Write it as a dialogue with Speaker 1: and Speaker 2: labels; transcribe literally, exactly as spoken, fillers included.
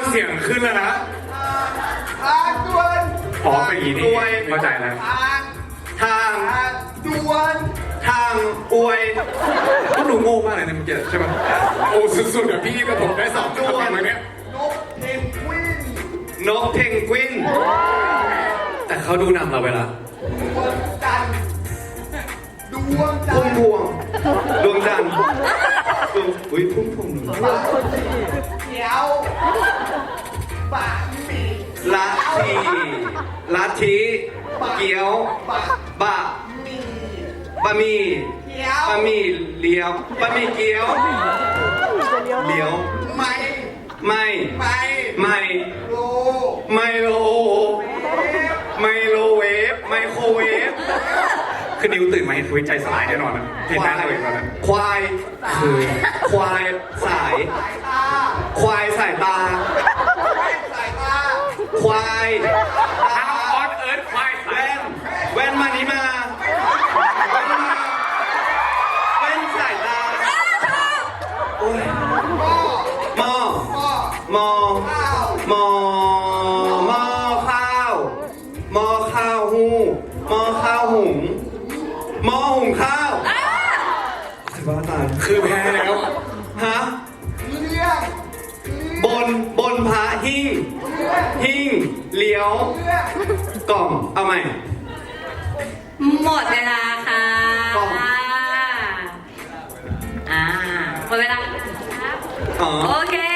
Speaker 1: เสียงขึ้นแล้วนะ
Speaker 2: ทางด่วน
Speaker 1: อ๋อเป็นอย่างนี้นี่เข้าใจแล้ว
Speaker 2: ทาง
Speaker 3: ทาง
Speaker 2: ทางด่วน
Speaker 3: ทางอวย
Speaker 1: ก็ดูโง่มากเลยนะเมื่อกี้ใช่ไหมโอ้สุดๆเดี๋ยวพี่กับผมได้สองตัวมาเนี้ย
Speaker 2: นกเพนกวิน
Speaker 3: นกเพนกวิน แต่เขาดูนำเราไปละ
Speaker 2: ดวงจันทร์ดวงจั
Speaker 3: พุ่
Speaker 2: น
Speaker 3: ม
Speaker 2: ทร์
Speaker 3: พวงดวงจันทร์ดวงอุ้ยพุ่มพวง
Speaker 2: เขียวบะหมี่
Speaker 3: ลัทธิลัทธิเกี๊ยว
Speaker 2: บะ
Speaker 3: บะ
Speaker 2: หมี่
Speaker 3: บะหมี่
Speaker 2: เขียว
Speaker 3: บะหมี่เลี้ยวบะหมี่เกี๊ยวเลี้ยว
Speaker 2: ไม่
Speaker 3: ไม่
Speaker 2: ไม่
Speaker 3: ไม่
Speaker 2: โล
Speaker 3: ไมโล
Speaker 2: เอฟ
Speaker 3: ไมโลเวฟไมโครเวฟ
Speaker 1: คือนิวตื่นมาเห็นทวิตใจสลายแน่นอนนะเห็นหน้าตัวเองแล้วนะ
Speaker 3: ควาย
Speaker 1: คือ
Speaker 3: ควายสาย
Speaker 2: สายตา
Speaker 3: ควายสายตา
Speaker 2: สายตา
Speaker 3: ควาย
Speaker 1: ทางออนเอิร์ธควายสาย
Speaker 3: แว่นแว่นมานี้มาแว่นมาแว่นสายตาโอ้ย
Speaker 2: หม้อ
Speaker 3: หม้อ
Speaker 2: หม้อ
Speaker 3: หม้อ
Speaker 2: ข้าว
Speaker 3: หม้อหม้อข้าวหม้อข้าวหูหม้อข้าวหุงหม้อหุงข้าวสิบ้าตาย
Speaker 1: คือแพ้แล้ว
Speaker 3: ฮะ
Speaker 2: เลี้ยง
Speaker 3: บนบนพระหิ้งหิ้งเลี้ยว
Speaker 2: เลี้ยง
Speaker 3: กล่องเอาใหม่
Speaker 4: หมดเวลาค่ะ
Speaker 3: กล่อง
Speaker 4: อ่าหมดเวลาครับ
Speaker 3: อ๋อ
Speaker 4: โอเค